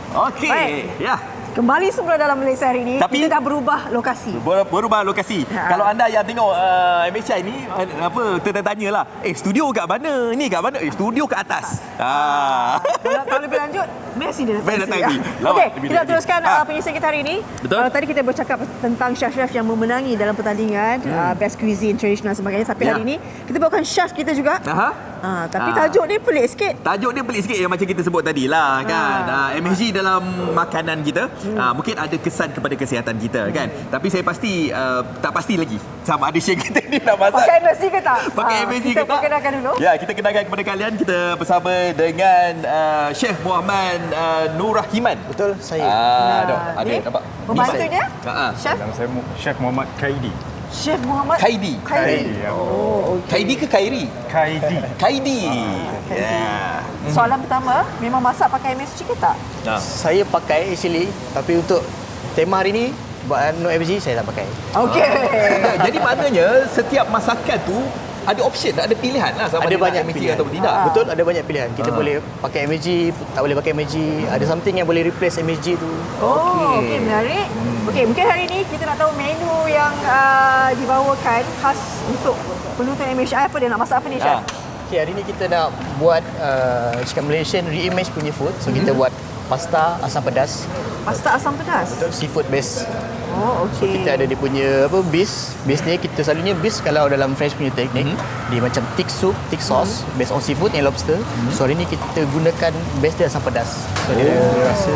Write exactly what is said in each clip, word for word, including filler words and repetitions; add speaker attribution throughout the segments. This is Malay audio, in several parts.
Speaker 1: Okey. Ya.
Speaker 2: Kembali semula dalam Malaysia hari ini.
Speaker 1: Tapi,
Speaker 2: kita dah berubah lokasi.
Speaker 1: Ber, berubah lokasi. Ha. Kalau anda yang tengok uh, M H I ni uh, apa tertanya lah, eh studio kat mana? Ni kat mana? Eh studio kat atas. Ha.
Speaker 2: Kalau, kalau lebih lanjut, Messi dia datang.
Speaker 1: datang
Speaker 2: ya. Okey, kita teruskan
Speaker 1: ha.
Speaker 2: uh, penyisian kita hari ini.
Speaker 1: Betul.
Speaker 2: Uh, tadi kita bercakap tentang chef-chef yang memenangi dalam pertandingan hmm. uh, best cuisine tradisional sebagainya. Tapi ya. hari ini kita bawakan chef kita juga.
Speaker 1: Aha.
Speaker 2: Uh, tapi ha. tajuk dia pelik sikit.
Speaker 1: Tajuk dia pelik sikit yang macam kita sebut tadi lah kan. Ha. Uh, M S G dalam makanan kita hmm. uh, mungkin ada kesan kepada kesihatan kita hmm. kan. Tapi saya pasti uh, tak pasti lagi sama ada chef kita ni nak masak.
Speaker 2: Pakai M S G ke tak?
Speaker 1: Pakai
Speaker 2: uh,
Speaker 1: M S G
Speaker 2: kita
Speaker 1: ke tak?
Speaker 2: kenalkan dulu.
Speaker 1: Ya, kita kenalkan kepada kalian. Kita bersama dengan uh, Chef Muhammad uh, Nur Rahiman.
Speaker 3: Betul, saya.
Speaker 1: Ah, ada,
Speaker 2: Nah,
Speaker 1: ada
Speaker 2: ni
Speaker 1: nampak.
Speaker 2: Pembantunya?
Speaker 1: Ha.
Speaker 2: Chef
Speaker 4: Nama saya Chef Muhammad Kaidi.
Speaker 2: Chef Muhammad
Speaker 1: Kaidi.
Speaker 2: Kaidi.
Speaker 4: ya.
Speaker 2: Oh, okey.
Speaker 1: Kaidi ke Kairi?
Speaker 4: Kaidi.
Speaker 1: Kaidi.
Speaker 2: Kaidi.
Speaker 1: Ya.
Speaker 2: Soalan pertama, memang masak pakai M S G ke tak?
Speaker 1: Nah.
Speaker 3: Saya pakai actually, tapi untuk tema hari ni buat no M S G saya tak pakai.
Speaker 2: Okey.
Speaker 1: Jadi maknanya setiap masakan tu ada option, ada pilihan lah sama
Speaker 3: Ada
Speaker 1: ada
Speaker 3: banyak
Speaker 1: M S G
Speaker 3: pilihan
Speaker 1: ataupun tidak.
Speaker 2: Ah.
Speaker 3: Betul, ada banyak pilihan. Kita
Speaker 1: Ah.
Speaker 3: boleh pakai M S G, tak boleh pakai M S G. Ada something yang boleh replace M S G tu.
Speaker 2: Oh,
Speaker 1: Okey.
Speaker 2: okey, okay, menarik. Okey, mungkin hari ini kita nak tahu menu yang uh, dibawakan khas untuk penonton M H I. Apa dia nak masak apa ni, Chef?
Speaker 1: Ah.
Speaker 3: Okay, hari ni kita nak buat uh, cakap Malaysian reimage punya food. So kita buat pasta asam pedas.
Speaker 2: Pasta asam pedas.
Speaker 3: Betul, seafood base.
Speaker 2: Oh, okey.
Speaker 3: Kita ada dia punya apa base. Base ni kita selalunya base kalau dalam French punya teknik
Speaker 1: Mm-hmm.
Speaker 3: dia macam thick soup, thick sauce
Speaker 2: Mm-hmm.
Speaker 3: based on seafood and lobster. Mm-hmm. So hari ni kita gunakan base dia asam pedas. So dia
Speaker 1: Oh.
Speaker 3: rasa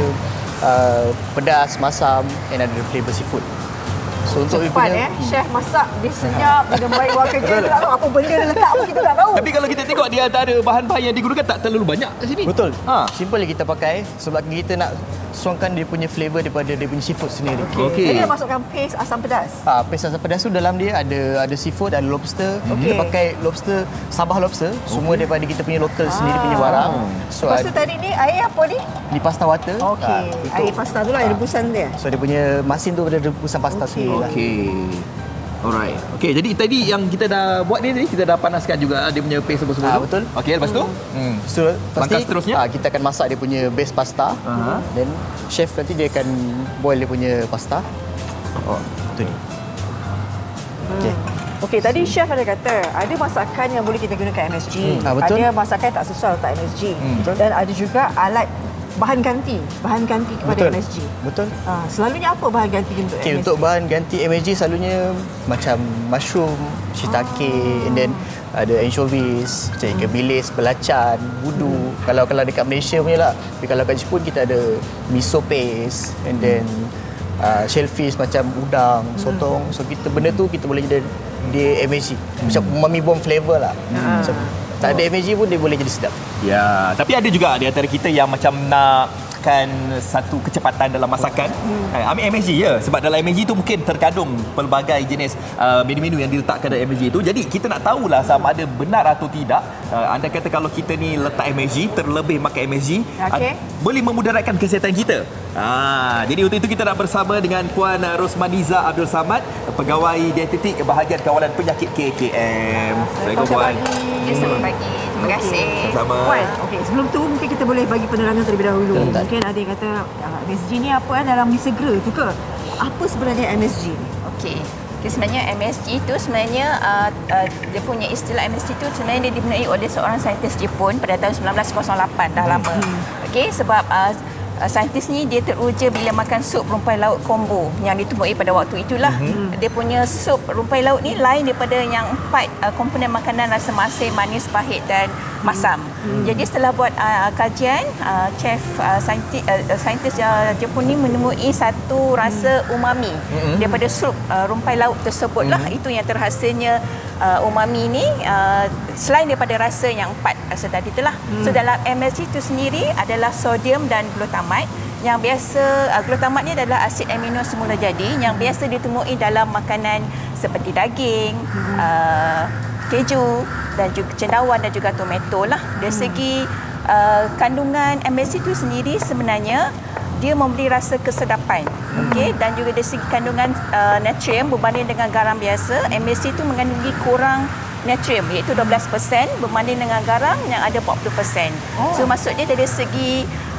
Speaker 3: uh, pedas, masam and ada flavour seafood. So untuk
Speaker 2: Cepat eh, chef masak dia senyap, dia baik buat kerja, dia tak tahu apa benda dia letak pun kita tak tahu.
Speaker 1: Tapi kalau kita tengok di antara bahan-bahan yang digunakan tak terlalu banyak kat sini.
Speaker 3: Betul.
Speaker 1: Ha.
Speaker 3: Simple je kita pakai sebab kita nak suangkan dia punya flavour daripada dia punya seafood sendiri.
Speaker 1: Okey.
Speaker 2: Jadi dia masukkan paste asam pedas.
Speaker 3: Ah, paste asam pedas tu dalam dia ada ada seafood, ada lobster.
Speaker 2: Okey.
Speaker 3: Kita pakai lobster, Sabah lobster, semua daripada kita punya local sendiri punya barang. So
Speaker 2: Lepas tu
Speaker 3: ada,
Speaker 2: tadi ni air apa ni?
Speaker 3: ni pasta water.
Speaker 2: Okey,
Speaker 3: Ah, untuk-
Speaker 2: air pasta tu lah, air rebusan dia.
Speaker 3: So dia punya masin tu ada rebusan pasta
Speaker 2: Okey.
Speaker 3: sendiri lah.
Speaker 1: Okey. Alright. Okey, jadi tadi yang kita dah buat ni tadi kita dah panaskan juga dia punya paste semua-semua
Speaker 3: Ah,
Speaker 1: tu.
Speaker 3: betul.
Speaker 1: Okey, lepas tu? Hmm.
Speaker 3: So
Speaker 1: Langkah
Speaker 3: pasti
Speaker 1: seterusnya?
Speaker 3: ah, kita akan masak dia punya base pasta.
Speaker 1: Aha.
Speaker 3: Then chef nanti dia akan boil dia punya pasta. Oh, tu ni. Okey.
Speaker 2: Okey, tadi chef ada kata ada masakan yang boleh kita gunakan M S G.
Speaker 3: Hmm, ah, betul.
Speaker 2: Ada masakan tak sesuai letak M S G.
Speaker 3: betul.
Speaker 2: Dan ada juga alat bahan ganti, bahan ganti kepada
Speaker 3: Betul.
Speaker 2: M S G.
Speaker 3: Betul.
Speaker 2: Ah, selalunya apa bahan ganti untuk
Speaker 3: Okay,
Speaker 2: M S G?
Speaker 3: untuk bahan ganti M S G selalunya macam mushroom, shiitake, and then ada anchovies, macam ikan bilis, belacan, budu. Kalau kalau dekat Malaysia punya lah. Tapi kalau kat Jepun kita ada miso paste and then uh, shellfish macam udang, sotong. So kita benda tu kita boleh jadi dia M S G. Macam umami bomb flavour lah. Macam tak ada M S G pun dia boleh jadi sedap.
Speaker 1: Ya, tapi ada juga di antara kita yang macam nakkan satu kecepatan dalam masakan. Hmm. Ambil M S G ya, sebab dalam M S G tu mungkin terkandung pelbagai jenis uh, menu-menu yang diletakkan dalam M S G tu. Jadi kita nak tahulah sama ada benar atau tidak. Uh, anda kata kalau kita ni letak M S G, terlebih makan M S G,
Speaker 2: Okey.
Speaker 1: uh, boleh memudaratkan kesihatan kita. Ah, jadi untuk itu kita nak bersama dengan Puan Rosmaniza Abdul Samad, pegawai dietetik bahagian kawalan penyakit K K M. Assalamualaikum Puan.
Speaker 5: Ya, selamat pagi. Terima kasih.
Speaker 1: Sama.
Speaker 2: Puan, okey, sebelum tu mungkin kita boleh bagi penerangan terlebih dahulu.
Speaker 3: Betul.
Speaker 2: Mungkin ada yang kata ah, M S G ni apa eh, dalam mi segera tu ke? Apa sebenarnya M S G ni?
Speaker 5: Okey. Okay, sebenarnya M S G itu sebenarnya uh, uh, dia punya istilah M S G itu sebenarnya dia dibenarkan oleh seorang saintis Jepun pada tahun sembilan belas kosong lapan, dah lama. Okey, sebab uh, Uh, saintis ni dia teruja bila makan sup rumpai laut kombo yang ditumbuhi pada waktu itulah. Mm-hmm. Dia punya sup rumpai laut ni lain daripada yang empat uh, komponen makanan rasa masin, manis, pahit dan masam. Mm-hmm. Jadi setelah buat uh, kajian, uh, chef uh, saintis uh, saintis uh, Jepun ni menemui satu rasa umami mm-hmm. daripada sup uh, rumpai laut tersebut lah. Mm-hmm. Itu yang terhasilnya uh, umami ni uh, selain daripada rasa yang empat rasa tadi itulah. Mm. So dalam M S G itu sendiri adalah sodium dan glutamat. Yang biasa uh, glutamat ni adalah asid amino semula jadi yang biasa ditemui dalam makanan seperti daging, hmm. uh, keju dan juga cendawan dan juga tomato lah. Dari hmm. segi uh, kandungan M S G itu sendiri sebenarnya dia memberi rasa kesedapan. Hmm. Okey, dan juga dari segi kandungan uh, natrium berbanding dengan garam biasa, M S G itu mengandungi kurang natrium iaitu dua belas peratus berbanding dengan garam yang ada empat puluh peratus. Oh. So maksudnya dari segi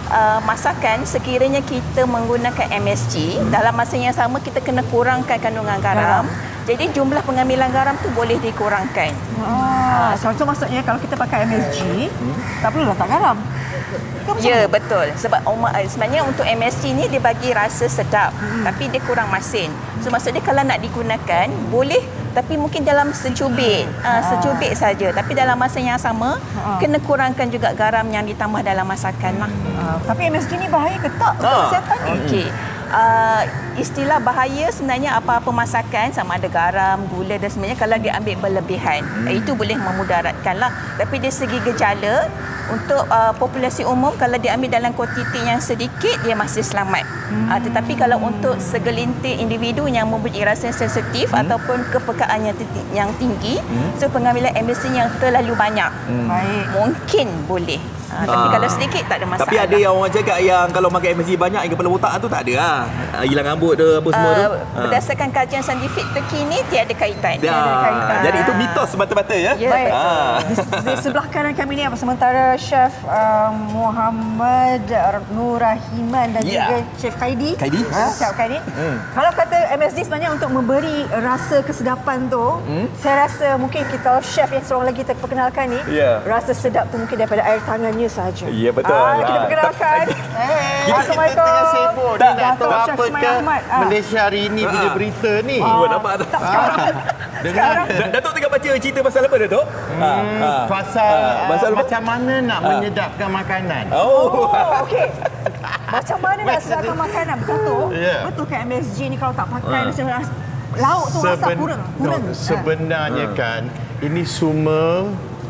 Speaker 5: uh, masakan sekiranya kita menggunakan M S G, dalam masa yang sama kita kena kurangkan kandungan garam. Jadi jumlah pengambilan garam tu boleh dikurangkan.
Speaker 2: Ah, so, so maksudnya kalau kita pakai M S G, hmm. tak perlu letak garam.
Speaker 5: Ya, betul. Sebab sebenarnya untuk M S G ni dia bagi rasa sedap, hmm. tapi dia kurang masin. So maksudnya kalau nak digunakan, boleh tapi mungkin dalam secubit, uh, secubit saja. Tapi dalam masa yang sama, ha. kena kurangkan juga garam yang ditambah dalam masakan lah.
Speaker 2: Uh, tapi M S G ni bahaya ke tak untuk kesihatan ni?
Speaker 5: Okey. Uh, istilah bahaya sebenarnya apa-apa masakan sama ada garam, gula dan sebenarnya kalau diambil berlebihan, hmm. itu boleh memudaratkan lah. Tapi dari segi gejala untuk uh, populasi umum kalau diambil dalam kuantiti yang sedikit dia masih selamat. Hmm. Uh, tetapi kalau untuk segelintir individu yang mempunyai rasa sensitif hmm. ataupun kepekaan yang, yang tinggi, hmm. so pengambilan M S G yang terlalu banyak, hmm. mungkin boleh. Ha, tapi ah. kalau sedikit tak ada masalah.
Speaker 1: Tapi ada yang orang cakap yang kalau makan M S G banyak yang kepala otak tu tak ada lah. Hilang rambut tu apa semua uh, tu.
Speaker 5: Berdasarkan kajian saintifik terkini tiada kaitan.
Speaker 1: Ya. Tiada kaitan. Jadi itu mitos semata-mata ya.
Speaker 5: Ya.
Speaker 2: Baik. Ah. Di, di sebelah kanan kami ni apa sementara Chef uh, Muhammad Nurahiman dan yeah. juga Chef Kaidi.
Speaker 1: Kaidi.
Speaker 2: Ha, Chef Kaidi. Hmm. Kalau kata M S G sebenarnya untuk memberi rasa kesedapan tu, hmm? saya rasa mungkin kita chef yang seorang lagi terperkenalkan ni, yeah. rasa sedap tu mungkin daripada air tangannya sahaja.
Speaker 1: Ya, betul.
Speaker 2: Ah, kita perkenalkan.
Speaker 6: Hey, Assalamualaikum. Kita tengah sibuk ni nak tahu apa ke Malaysia hari ini
Speaker 1: ah.
Speaker 6: punya berita ni.
Speaker 1: Oh, nampak tak?
Speaker 2: Tak sekarang.
Speaker 1: Dengar. Datuk tengah baca cerita pasal apa Datuk?
Speaker 6: Hmm, ha, pasal ha, pasal uh, macam mana nak ha. menyedapkan makanan.
Speaker 2: Oh, okey. Macam mana nak sedapkan makanan? Betul.
Speaker 6: Yeah.
Speaker 2: Betul kan M S G ni kalau tak pakai uh. macam lauk tu rasa
Speaker 6: Seben,
Speaker 2: kurang. kurang.
Speaker 6: No, sebenarnya ha. kan ini semua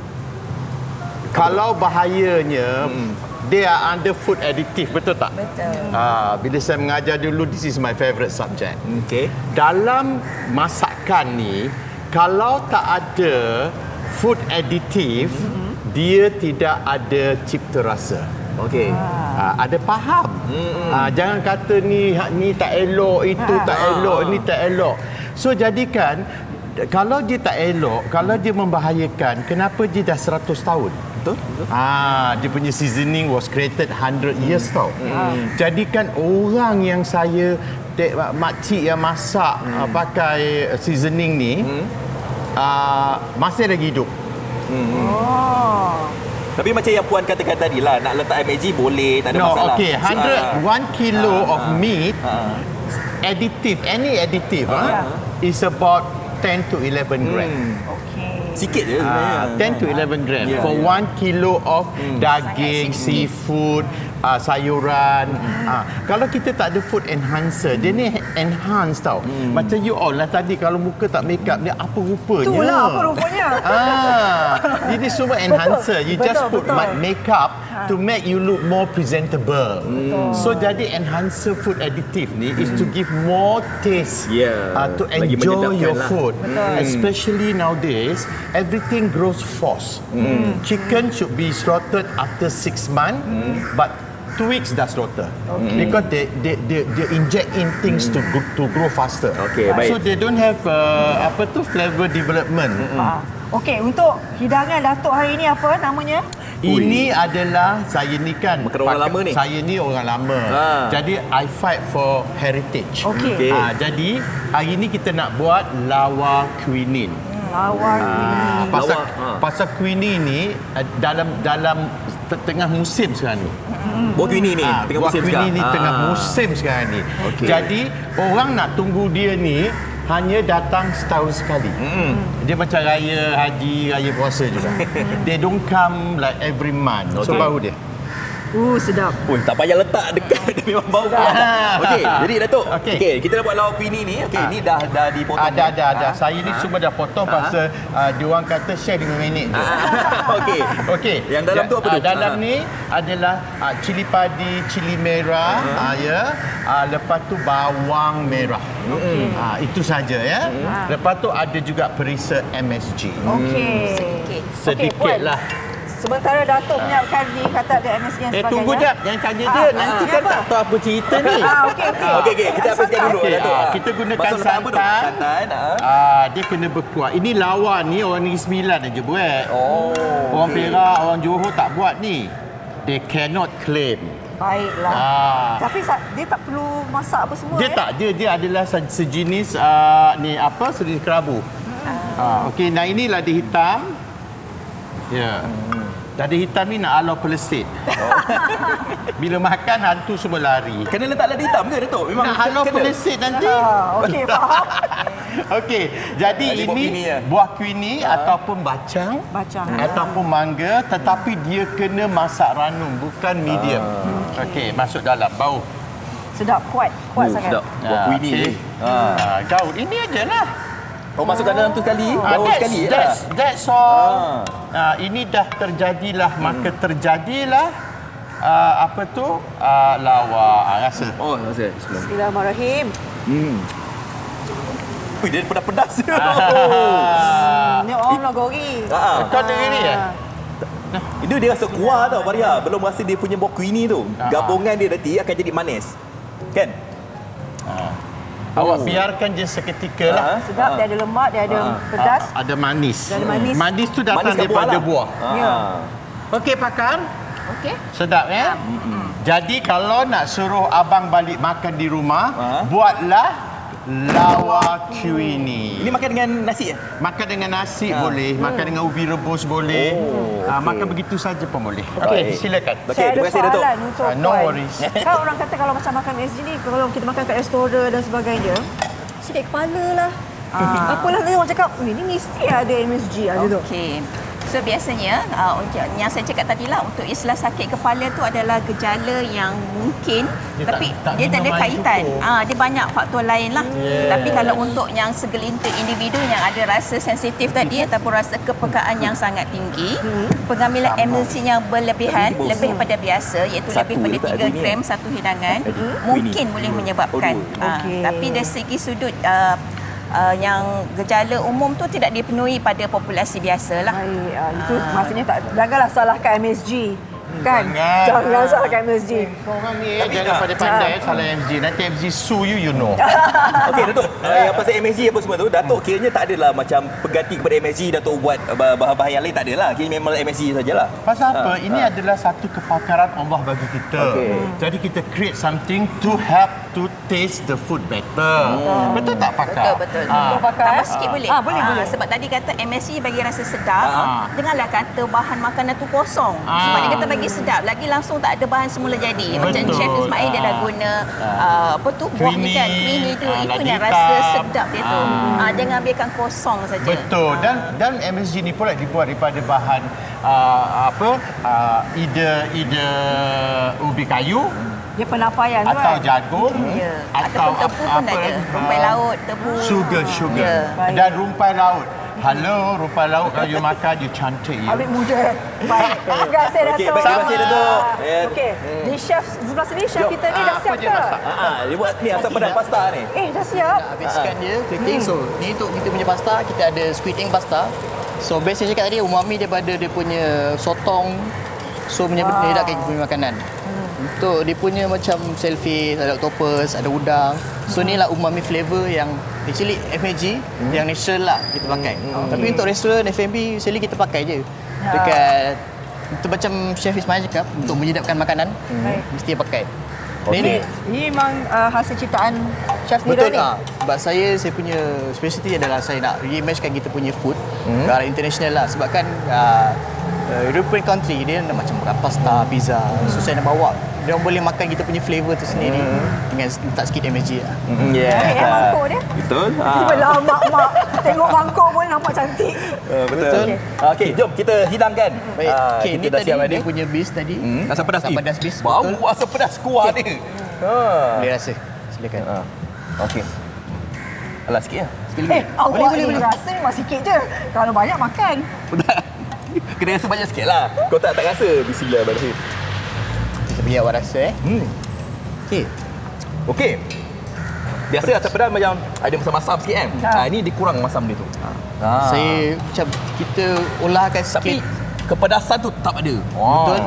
Speaker 6: kalau bahayanya hmm. they are under food additive, betul tak?
Speaker 5: Betul.
Speaker 6: Ha, bila saya mengajar dulu, this is my favourite subject.
Speaker 1: Okay.
Speaker 6: Dalam masakan ni, kalau tak ada food additive, hmm. dia tidak ada cipta rasa.
Speaker 1: Okey.
Speaker 6: Ha, ada faham. Hmm. Ha, jangan kata ni ni tak elok, itu ha. tak elok, ha. ni tak elok. So jadikan kalau dia tak elok, kalau dia membahayakan, kenapa dia dah seratus tahun? Betul? Ah, dia punya seasoning was created one hundred years tau. Hmm. Jadikan orang yang saya dek, makcik yang masak hmm. pakai seasoning ni hmm. uh, masih lagi hidup.
Speaker 1: Hmm. Oh. Tapi macam yang Puan katakan tadi lah, nak letak M S G boleh, tak ada
Speaker 6: no,
Speaker 1: masalah.
Speaker 6: Okay, one hundred,
Speaker 1: uh,
Speaker 6: one kilo
Speaker 1: uh,
Speaker 6: of meat, uh, additive, any additive uh, uh, is about ten to eleven gram.
Speaker 1: Hmm. Sikit je sebenarnya.
Speaker 6: Uh, ten to eleven gram
Speaker 1: yeah,
Speaker 6: for
Speaker 1: yeah.
Speaker 6: one kilo of hmm. daging, seafood, uh, sayuran. Hmm. Uh, kalau kita tak ada food enhancer, dia ni enhance tau. Hmm. Macam you all lah tadi, kalau muka tak make up, dia apa rupanya?
Speaker 2: Itulah apa rupanya.
Speaker 6: Ah, ini semua enhancer. You
Speaker 2: betul,
Speaker 6: just put
Speaker 2: betul.
Speaker 6: makeup to make you look more presentable.
Speaker 2: Hmm.
Speaker 6: So jadi enhancer food additive ni hmm. is to give more taste
Speaker 1: yeah.
Speaker 6: uh, to
Speaker 1: Lagi
Speaker 6: enjoy your
Speaker 1: lah.
Speaker 6: food.
Speaker 2: Betul.
Speaker 6: Especially nowadays, everything grows fast. Mm. Chicken should be slaughtered after six months, mm. but two weeks dah slaughter. Okay. Because they, they they they inject in things mm. to go, to grow faster.
Speaker 1: Okay, baik.
Speaker 6: So they don't have uh, apa tu flavor development. Mm.
Speaker 2: Ah. Okey, untuk hidangan Datuk hari ini apa namanya?
Speaker 6: Ini Ui. adalah saya ni kan
Speaker 1: Makan orang lama ni.
Speaker 6: Saya ni orang lama. Ha. Jadi I fight for heritage.
Speaker 2: Okey.
Speaker 1: Okay.
Speaker 6: Ha, jadi hari ni kita nak buat lawa quinine.
Speaker 2: Lawa
Speaker 6: Ah, pasal
Speaker 1: Lawa, ha.
Speaker 6: pasal quinine ni dalam dalam tengah musim sekarang ni.
Speaker 1: Buah quinine ni
Speaker 6: Ah,
Speaker 1: tengah
Speaker 6: buah
Speaker 1: musim
Speaker 6: quinine
Speaker 1: sekarang.
Speaker 6: ni
Speaker 1: Ah.
Speaker 6: tengah musim sekarang ni.
Speaker 1: Okey.
Speaker 6: Jadi orang nak tunggu dia ni hanya datang setahun sekali. Mm. Dia macam raya haji, raya puasa juga. They don't come like every month. Okay. So baru dia.
Speaker 2: Uh, sedap.
Speaker 1: Ui, tak payah letak dekat, dia memang bau.
Speaker 6: Ah.
Speaker 1: Okey, jadi Datuk.
Speaker 6: Okey.
Speaker 1: Okey, kita dah buat lauk quinine ni. Okey,
Speaker 6: Ah.
Speaker 1: ni dah dah dipotong.
Speaker 6: Ada ada ada.
Speaker 1: Ah.
Speaker 6: Saya ni
Speaker 1: Ah.
Speaker 6: semua dah potong
Speaker 1: Ah.
Speaker 6: pasal uh, dia orang kata share lima minit.
Speaker 1: Ah. Okey.
Speaker 6: Okey.
Speaker 1: Yang dalam tu apa tu?
Speaker 6: Uh, dalam
Speaker 1: Ah.
Speaker 6: ni adalah uh, cili padi, cili merah,
Speaker 1: Ah.
Speaker 6: uh, ya. Uh, lepas tu bawang merah.
Speaker 1: Mm.
Speaker 6: Uh, itu saja ya.
Speaker 2: Mm.
Speaker 6: Lepas tu ada juga perisa M S G.
Speaker 2: Okey.
Speaker 5: Sedikit.
Speaker 6: Sedikit
Speaker 2: Puan.
Speaker 6: lah.
Speaker 2: Sementara Datuk menyiapkan ni kata ada M S G dan
Speaker 6: Eh
Speaker 2: sebagainya.
Speaker 6: tunggu jap, jangan tanya dia.
Speaker 2: Ah,
Speaker 6: Nanti
Speaker 2: ah,
Speaker 6: kan
Speaker 2: apa?
Speaker 6: tak tahu apa cerita ni.
Speaker 2: Ah, okey okey.
Speaker 1: Okey, okey, kita habiskan dulu
Speaker 6: Okey,
Speaker 1: Datuk.
Speaker 6: ah, kita gunakan
Speaker 1: Masuk letak apa tu?
Speaker 6: santan.
Speaker 1: Santan. ah.
Speaker 6: Ah, dia kena berkuah. Ini lawa ni orang Negeri Sembilan aja buat.
Speaker 1: Oh.
Speaker 6: Orang
Speaker 1: okey.
Speaker 6: Perak, orang Johor tak buat ni. They cannot claim.
Speaker 2: Baiklah.
Speaker 6: Ah.
Speaker 2: Tapi sa- dia tak perlu masak apa semua
Speaker 6: Dia
Speaker 2: eh?
Speaker 6: tak, dia dia adalah se- sejenis uh, ni apa sejenis kerabu. Ah, okey, nah ini ladi hitam. Ya. Hmm. Ladi hitam ni nak alau pelesit. Oh. Bila makan hantu semua lari.
Speaker 1: Kena letak lada hitam ke Datuk? Memang
Speaker 6: Nak alau
Speaker 1: kena.
Speaker 6: pelesit nanti.
Speaker 2: Ah, okey, faham.
Speaker 6: Okey, jadi
Speaker 1: Jadi buah
Speaker 6: ini
Speaker 1: queenie ya?
Speaker 6: buah queenie ataupun bacang
Speaker 2: Bacang.
Speaker 6: ataupun mangga tetapi dia kena masak ranum bukan medium. Okey, masuk dalam bau.
Speaker 2: Sedap, kuat. Kuat
Speaker 1: Oh,
Speaker 2: sangat.
Speaker 1: sedap. Buah
Speaker 6: Ah,
Speaker 1: queenie
Speaker 6: okey.
Speaker 1: ni. Ah.
Speaker 6: Ah, kau ini ajalah.
Speaker 1: Oh, masukkan dalam tu sekali,
Speaker 6: Ah,
Speaker 1: baru
Speaker 6: that's,
Speaker 1: sekali je
Speaker 6: that's,
Speaker 1: lah.
Speaker 6: that's all. Ah, ini dah terjadilah, maka terjadilah ah, apa tu? Ah, lawak. Ah, rasa.
Speaker 1: Oh, rasa. Bismillah.
Speaker 2: Bismillahirrahmanirrahim.
Speaker 1: Hmm. Ui, dia pedas-pedas.
Speaker 6: Ah.
Speaker 2: Ni orang nagori.
Speaker 1: Ah.
Speaker 6: Kau dengar ni ya?
Speaker 1: Itu dia rasa kuah tau, Maria. Belum rasa dia punya buah queenie tu.
Speaker 6: Ah.
Speaker 1: Gabungan dia nanti akan jadi manis. Kan?
Speaker 6: Awak biarkan je seketika lah.
Speaker 1: Ah.
Speaker 2: Sedap, dia ada lemak, dia ada pedas.
Speaker 6: Ah, ada manis.
Speaker 2: Dia ada manis.
Speaker 6: Manis tu datang
Speaker 1: Manis kat
Speaker 6: daripada
Speaker 1: buah
Speaker 6: buah.
Speaker 1: lah.
Speaker 2: Ya.
Speaker 1: Ah.
Speaker 6: Okey, pakar.
Speaker 5: Okey.
Speaker 6: Sedap ya? Jadi kalau nak suruh abang balik makan di rumah,
Speaker 1: Ah.
Speaker 6: buatlah lawa queenie.
Speaker 1: Ini makan dengan nasi ya?
Speaker 6: Makan dengan nasi
Speaker 1: Ah.
Speaker 6: boleh, makan dengan ubi rebus boleh.
Speaker 1: Oh,
Speaker 6: Ah,
Speaker 1: okey.
Speaker 6: makan begitu saja pun boleh.
Speaker 1: Baik.
Speaker 6: Okey, silakan.
Speaker 1: Okey,
Speaker 2: Saya ada
Speaker 1: terima kasih, Datuk.
Speaker 2: soalan untuk
Speaker 6: Ah, no
Speaker 2: Puan.
Speaker 6: worries.
Speaker 2: Kan orang kata kalau macam makan M S G ni, kalau kita makan kat restoran dan sebagainya, sakit kepala lah.
Speaker 5: Ah.
Speaker 2: Apalah dia orang cakap, "Eh, ni mesti ada M S G ada tu."
Speaker 5: Okey. So biasanya uh, untuk yang saya cakap tadi lah, untuk istilah sakit kepala tu adalah gejala yang mungkin
Speaker 6: Dia
Speaker 5: tapi
Speaker 6: tak- tak
Speaker 5: dia tak ada
Speaker 6: minum air
Speaker 5: kaitan.
Speaker 6: cukup.
Speaker 5: Ah dia banyak faktor lain lah.
Speaker 6: Yes.
Speaker 5: Tapi kalau untuk yang segelintir individu yang ada rasa sensitif tadi ataupun rasa kepekaan yang sangat tinggi, pengambilan M S G yang berlebihan,
Speaker 1: Tapi ni
Speaker 5: lebih
Speaker 1: bos.
Speaker 5: pada biasa iaitu
Speaker 1: Satu
Speaker 5: lebih pada
Speaker 1: letak
Speaker 5: tiga
Speaker 1: gini,
Speaker 5: gram
Speaker 1: eh.
Speaker 5: satu hidangan,
Speaker 1: Aduh,
Speaker 5: mungkin
Speaker 1: ini.
Speaker 5: boleh menyebabkan.
Speaker 1: Oh, dua.
Speaker 5: Ah,
Speaker 2: Okey.
Speaker 5: tapi dari segi sudut uh, uh, yang gejala umum tu tidak dipenuhi pada populasi biasa lah.
Speaker 2: Baik, ah, itu maksudnya tak janganlah salahkan M S G. Kan?
Speaker 6: Jangan.
Speaker 2: Jangan salahkan M S G.
Speaker 6: Korang ni eh, jangan pandai-pandai eh, salah M S G. Nanti M S G sue you, you know.
Speaker 1: Okey, Datuk. Uh, yang pasal M S G apa semua tu, Datuk kiranya tak adalah macam pengganti kepada M S G, Datuk buat uh, bahan-bahan yang lain tak adalah. Kira memang M S G sajalah.
Speaker 6: Pasal apa?
Speaker 1: Ah,
Speaker 6: Ini adalah satu kepakaran Allah bagi kita.
Speaker 1: Okey.
Speaker 6: Jadi kita create something to help to taste the food better. Betul tak pakar?
Speaker 5: Betul, betul.
Speaker 6: Ah.
Speaker 2: Pakar,
Speaker 5: Tambah
Speaker 2: eh?
Speaker 5: sikit boleh?
Speaker 2: Ah, boleh, boleh.
Speaker 5: Sebab tadi kata M S G bagi rasa sedap.
Speaker 6: Ah.
Speaker 5: Janganlah kata bahan makanan tu kosong.
Speaker 6: Ah.
Speaker 5: Sebab dia kata bagi sedap. Lagi langsung tak ada bahan semula jadi. Macam
Speaker 6: Betul.
Speaker 5: Chef Ismail dia dah
Speaker 6: Ah.
Speaker 5: guna uh, apa tu buah ni kan.
Speaker 6: Queenie.
Speaker 5: Queenie tu.
Speaker 6: Ah,
Speaker 5: Itu
Speaker 6: lagi
Speaker 5: yang rasa
Speaker 6: hitam.
Speaker 5: sedap dia tu.
Speaker 6: Ah.
Speaker 5: Ah, jangan biarkan kosong saja.
Speaker 6: Betul. Dan dan M S G ni pula dibuat daripada bahan uh, apa? Uh, either either ubi kayu
Speaker 2: Dia penapaian tu
Speaker 6: atau
Speaker 2: kan.
Speaker 6: jagung
Speaker 5: Ya.
Speaker 6: atau
Speaker 5: Ataupun tebu pun ada.
Speaker 6: lagi?
Speaker 5: Rumpai
Speaker 6: Ah,
Speaker 5: laut, tebu.
Speaker 6: Sugar, sugar.
Speaker 5: Ya.
Speaker 2: Baik.
Speaker 6: Dan rumpai laut. Halo, rumpai laut kalau you makan, you cantik you.
Speaker 2: Ambil muda. Baik. Terima kasih Datuk.
Speaker 1: Okey, baik, terima kasih, Datuk. Ya.
Speaker 2: Okey. Ni chef sebelah sini chef
Speaker 1: Jom.
Speaker 2: kita ni dah
Speaker 6: Ah,
Speaker 2: siap
Speaker 6: apa
Speaker 2: ke?
Speaker 6: dia masak?
Speaker 1: Ha ah, dia buat ni asam pedas pasta ni.
Speaker 2: Eh, dah siap.
Speaker 3: Habiskan dia, keriting. So, ni untuk kita punya pasta, kita ada squid ink pasta. So, best saya cakap tadi, umami daripada dia punya sotong. So, menyedapkan kita punya makanan. Untuk dia punya macam shellfish, ada octopus, ada udang. So, ni lah umami flavor yang actually F M G yang natural lah kita pakai. Tapi untuk restoran F and B, actually kita pakai je. Dekat, itu macam Chef Ismail cakap, untuk menyedapkan makanan,
Speaker 2: Baik.
Speaker 3: mesti pakai.
Speaker 1: Okey.
Speaker 3: Ini
Speaker 2: Ini memang uh, hasil ciptaan chef
Speaker 3: betul
Speaker 2: Nira ni.
Speaker 3: ah. Sebab saya saya punya specialty adalah saya nak reimagine kita punya food hmm. ke arah international lah. Sebab kan uh, uh, European country dia nak macam makan pasta, pizza. So saya nak bawa dia orang boleh makan kita punya flavor tu sendiri dengan letak sikit M S G lah.
Speaker 1: Hmm,
Speaker 2: Baik, eh, mangkuk dia.
Speaker 1: Betul.
Speaker 2: Tiba-tiba mak-mak tengok mangkuk pun nampak cantik.
Speaker 1: Uh, betul.
Speaker 3: Betul.
Speaker 1: Okey, jom kita hidangkan.
Speaker 3: Baik,
Speaker 1: Ah,
Speaker 3: okay,
Speaker 1: kita
Speaker 3: ni
Speaker 1: dah
Speaker 3: tadi
Speaker 1: siap
Speaker 3: dia
Speaker 1: ni.
Speaker 3: punya beef tadi.
Speaker 1: Hmm, asam pedas
Speaker 3: Asam
Speaker 1: beef.
Speaker 3: pedas beef,
Speaker 1: Bau
Speaker 3: betul.
Speaker 1: asam pedas kuah
Speaker 3: Okey.
Speaker 1: dia. Ha.
Speaker 3: Boleh rasa. Silakan.
Speaker 1: Ha. Okey. Alah sikit lah. Sikit
Speaker 2: Eh, awak
Speaker 3: Boleh, boleh,
Speaker 2: ni
Speaker 3: boleh.
Speaker 2: rasa memang sikit je. Kalau banyak makan.
Speaker 1: Kena rasa banyak sikit lah. Kau tak tak rasa. Bismillahirrahmanirrahim.
Speaker 3: Kita bagi awak rasa eh.
Speaker 1: Hmm.
Speaker 3: Okey.
Speaker 1: Okey. Biasa asam pedas macam ada masam-masam sikit kan.
Speaker 2: Ha.
Speaker 1: Ha. Ini dia kurang masam dia tu. Ha.
Speaker 3: Saya macam kita olahkan
Speaker 1: Tapi
Speaker 3: sikit.
Speaker 1: kepedasan tu tak ada.
Speaker 3: Betul.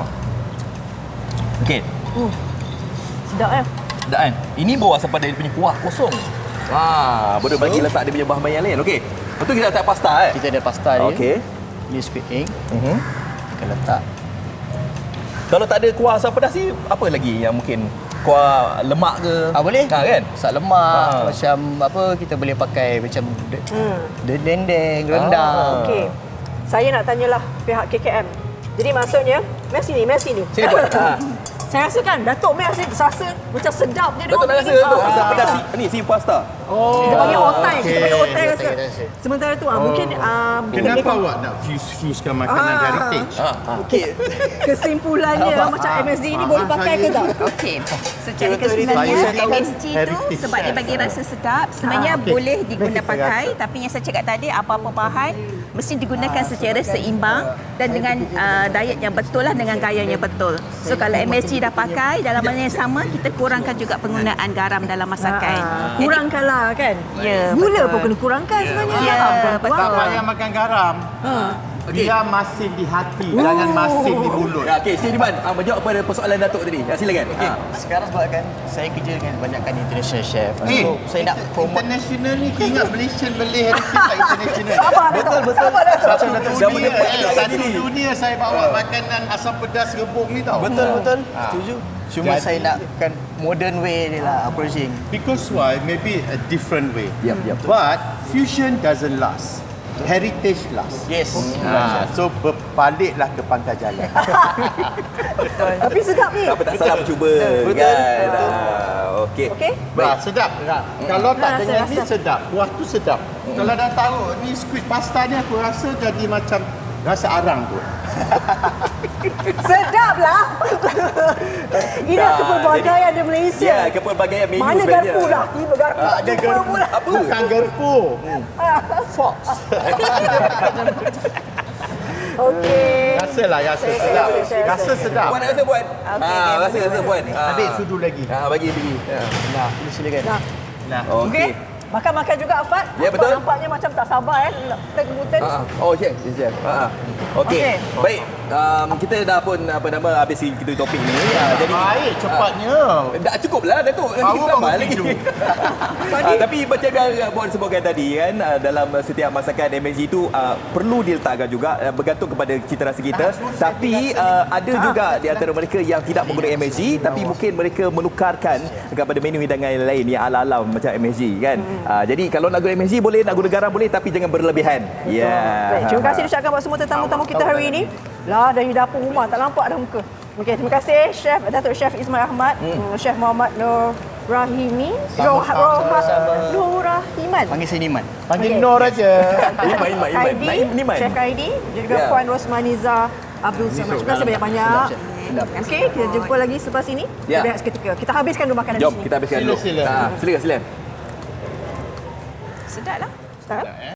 Speaker 1: Okey.
Speaker 2: Uh, sedap eh.
Speaker 1: Sedap kan? Ini bau asam pedas dia punya kuah kosong. Ha, boleh
Speaker 3: So,
Speaker 1: bagi letak dia punya bahan-bahan yang lain. Okey. Lepas tu kita letak pasta eh.
Speaker 3: Kita ada pasta dia.
Speaker 1: Okey.
Speaker 3: Ni squid ink.
Speaker 1: Mhm.
Speaker 3: Kita letak.
Speaker 1: Kalau tak ada kuah asam pedas ni, apa lagi yang mungkin kuah lemak ke?
Speaker 3: Ah boleh.
Speaker 1: Ha, kan?
Speaker 3: Masak lemak,
Speaker 1: Ah.
Speaker 3: macam apa kita boleh pakai macam de-
Speaker 2: Hmm.
Speaker 3: de- dendeng, rendang.
Speaker 2: Okey. Saya nak tanyalah pihak K K M. Jadi maksudnya, mari sini, mari sini.
Speaker 1: Sini buat. Ha.
Speaker 2: Saya rasa kan Datuk Meh rasa, rasa macam sedap je.
Speaker 1: Betul nak rasa tu. Asam pedas si- ni si pasta.
Speaker 3: Oh.
Speaker 2: Kita panggil otai, kita
Speaker 3: okey.
Speaker 2: panggil otai
Speaker 3: Otai
Speaker 2: rasa.
Speaker 3: rasa.
Speaker 2: Sementara tu ah mungkin ah, mungkin
Speaker 6: Kenapa
Speaker 2: lebih-
Speaker 6: awak nak fuse-fusekan makanan
Speaker 2: Ah.
Speaker 6: heritage?
Speaker 1: Ha. ha.
Speaker 2: kesimpulannya macam M S D ni boleh pakai ke tak?
Speaker 5: Okey. Secara
Speaker 3: betul,
Speaker 5: keseluruhannya
Speaker 3: saya tahu
Speaker 5: M S G tu
Speaker 6: heritage
Speaker 5: sebab dia
Speaker 6: chef.
Speaker 5: bagi rasa sedap sebenarnya
Speaker 6: okey.
Speaker 5: boleh diguna
Speaker 6: Kita
Speaker 5: pakai
Speaker 6: rasa.
Speaker 5: tapi yang saya cakap tadi apa-apa bahan mesti digunakan secara seimbang dan dengan uh, diet yang betul lah dengan gaya yang betul. So kalau M S G dah pakai dalam masa yang sama kita kurangkan juga penggunaan garam dalam masakan.
Speaker 2: Ah,
Speaker 5: Jadi,
Speaker 2: kurangkanlah kan?
Speaker 5: Ya,
Speaker 2: Gula
Speaker 5: betul.
Speaker 2: pun kena kurangkan sebenarnya.
Speaker 5: Ya,
Speaker 2: Tuan-tuan.
Speaker 5: betul.
Speaker 6: Tak payah makan garam. Dia masin di hati, jangan masin di mulut.
Speaker 1: Ya, okey, Siti Diman, ah, menjawab pada persoalan Datuk tadi. Ya, silakan.
Speaker 3: Okay.
Speaker 1: Ha.
Speaker 3: Sekarang sebab kan saya kerja dengan banyakkan international chef.
Speaker 6: Eh,
Speaker 3: So saya nak promote
Speaker 6: international ni ingat Malaysian Malay heritage tak international.
Speaker 2: Sabar betul betul. Sabar Datuk.
Speaker 6: Satu
Speaker 1: Siapa
Speaker 6: dunia,
Speaker 1: dapat
Speaker 6: eh,
Speaker 1: tak
Speaker 6: satu
Speaker 1: sini?
Speaker 6: dunia saya bawa makanan asam pedas rebung ni tau.
Speaker 3: betul betul.
Speaker 6: Ah.
Speaker 3: Setuju. Cuma
Speaker 6: Jadi-
Speaker 3: saya nakkan modern way ni lah approaching.
Speaker 6: Because why? Maybe a different way.
Speaker 1: Yap, yap.
Speaker 6: But fusion doesn't last. Heritage last.
Speaker 3: Yes.
Speaker 6: Ha, so berbaliklah ke pangkal jalan.
Speaker 2: Tapi sedap ni.
Speaker 1: Apa tak salah mencuba kan. Ah, okey.
Speaker 2: Okey?
Speaker 6: Baik, sedap. Kalau tak
Speaker 2: Rasa,
Speaker 6: dengan ni
Speaker 2: rasa.
Speaker 6: sedap, kuah tu sedap. Kalau dah tahu ni squid pasta ni aku rasa jadi macam rasa arang tu.
Speaker 2: Sedap lah. Ini
Speaker 1: Dah,
Speaker 2: kepelbagaian di Malaysia.
Speaker 1: Ya, kepelbagaian menu
Speaker 2: Mana
Speaker 1: sebenarnya.
Speaker 2: garpu lah? Tiba garpu.
Speaker 6: Tak ada
Speaker 2: Jumpa
Speaker 6: garpu.
Speaker 2: pula.
Speaker 1: Apa?
Speaker 6: Bukan garpu. Fox.
Speaker 2: Okey.
Speaker 6: Rasalah rasa
Speaker 2: Saya- saya
Speaker 6: sedap.
Speaker 2: rasa, saya rasa.
Speaker 6: Rasa sedap.
Speaker 1: Puan nak rasa puan?
Speaker 5: Okey,
Speaker 1: Ah,
Speaker 5: okey,
Speaker 1: rasa rasa puan. Ah.
Speaker 6: Ambil sudu lagi.
Speaker 1: Ah, bagi bagi. Ya.
Speaker 3: Nah, ini silakan.
Speaker 2: Nah,
Speaker 6: Nah.
Speaker 2: okey.
Speaker 1: Okey.
Speaker 2: Makan-makan juga Afat.
Speaker 1: Ya,
Speaker 2: Afat
Speaker 1: betul.
Speaker 2: Nampaknya macam tak sabar eh. Gluten.
Speaker 1: Ah, oh, chef, chef. Ah. Okey.
Speaker 2: Okey.
Speaker 1: Baik. Um, kita dah pun apa nama habis kita topik ni. Ah, jadi
Speaker 6: Baik, cepatnya.
Speaker 1: dah cukup lah Datuk. Nanti
Speaker 6: Baru
Speaker 1: tambah
Speaker 6: bangun
Speaker 1: lagi.
Speaker 6: tidur.
Speaker 1: Ah, tapi macam yang Puan sebutkan tadi kan, ah, dalam setiap masakan M S G itu ah, perlu diletakkan juga ah, bergantung kepada cita rasa kita. Tapi ah, ada juga di antara mereka yang tidak menggunakan M S G tapi mungkin mereka menukarkan kepada menu hidangan lain yang ala-ala macam M S G kan. Ah, jadi kalau nak guna M S G boleh, nak guna garam boleh tapi jangan berlebihan. Ya.
Speaker 2: Baik, terima kasih diucapkan buat semua tetamu-tamu kita hari ini. Lah dari dapur rumah tak nampak dah muka. Okey, terima kasih Chef Datuk Chef Ismail Ahmad, hmm. Chef Muhammad Nur Rahimi, Nur
Speaker 3: sama-sama.
Speaker 2: Nur Rahiman.
Speaker 3: Panggil saya Niman.
Speaker 6: Panggil
Speaker 2: Okey.
Speaker 6: Nur aja.
Speaker 1: Iman, Iman, Iman.
Speaker 2: Kaidi,
Speaker 1: Naim, Iman.
Speaker 2: Chef Kaidi, dan juga
Speaker 1: Ya.
Speaker 2: Puan Rosmaniza Abdul Samad. Terima kasih banyak-banyak. Okey, kita jumpa lagi selepas ini.
Speaker 1: Ya.
Speaker 2: Kita berehat seketika. Kita habiskan dulu makanan
Speaker 1: Jom
Speaker 2: di sini.
Speaker 1: kita habiskan dulu.
Speaker 6: Sila, sila.
Speaker 1: Ah, silakan silakan.
Speaker 5: sedap lah.
Speaker 2: Start.